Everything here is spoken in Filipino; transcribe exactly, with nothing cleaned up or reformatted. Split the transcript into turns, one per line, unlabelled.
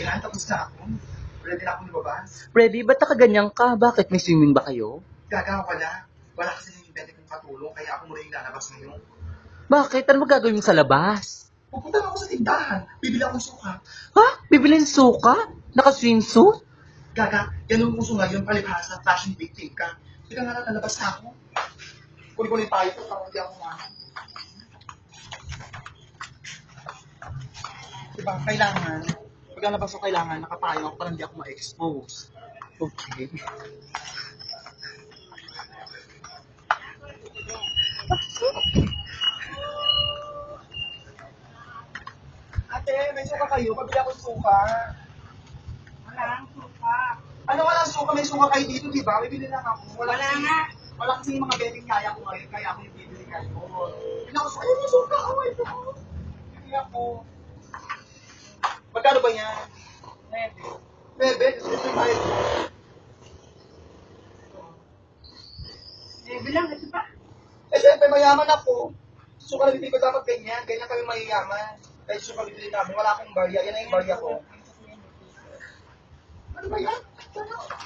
Kailangan tapos na ako. Ready na akong lumabas.
Ready? Ba't nakaganyan ka? Bakit? May swimming ba kayo?
Gagawa pala. Wala kasi yung pwede kong katulong, kaya ako muna yung lalabas ngayon.
Bakit? Ano magagawin mo sa labas?
Pupunta na ako sa tindahan. Bibili akong suka.
Ha? Bibilin suka? Naka-swimsuit?
Gaga, ganun uso ngayon, palibhasa, fashion victim ka. Hindi ka nga natalabas na ako. Kunin-kunin tayo ito, parang hindi ako nga. Diba, kailangan, pag nalabas ko kailangan, nakapayo ako para hindi ako ma-expose.
Okay.
Ate, may suka kayo? Pabili ako ng suka.
Walang suka.
Ano walang suka? May suka kayo dito, di ba? Bibili lang ako.
Wala
kasi,
nga.
Wala kasi yung mga betting kaya ko ngayon, kaya ako yung bibili kayo. Bibili ako sa ayun yung suka. Oh, ito. Bibili ako. Magkano ba yan?
Bebe.
Bebe, ito yung tayo.
Bebe lang, ito pa.
Eh, siyempre, mayaman ako. Suka na bibili ko dapat ganyan. Ganyan kami mayayaman. Kaya suka bibili namin. Wala akong barya. Yan na yung barya ko. Ano ba yan? Ano?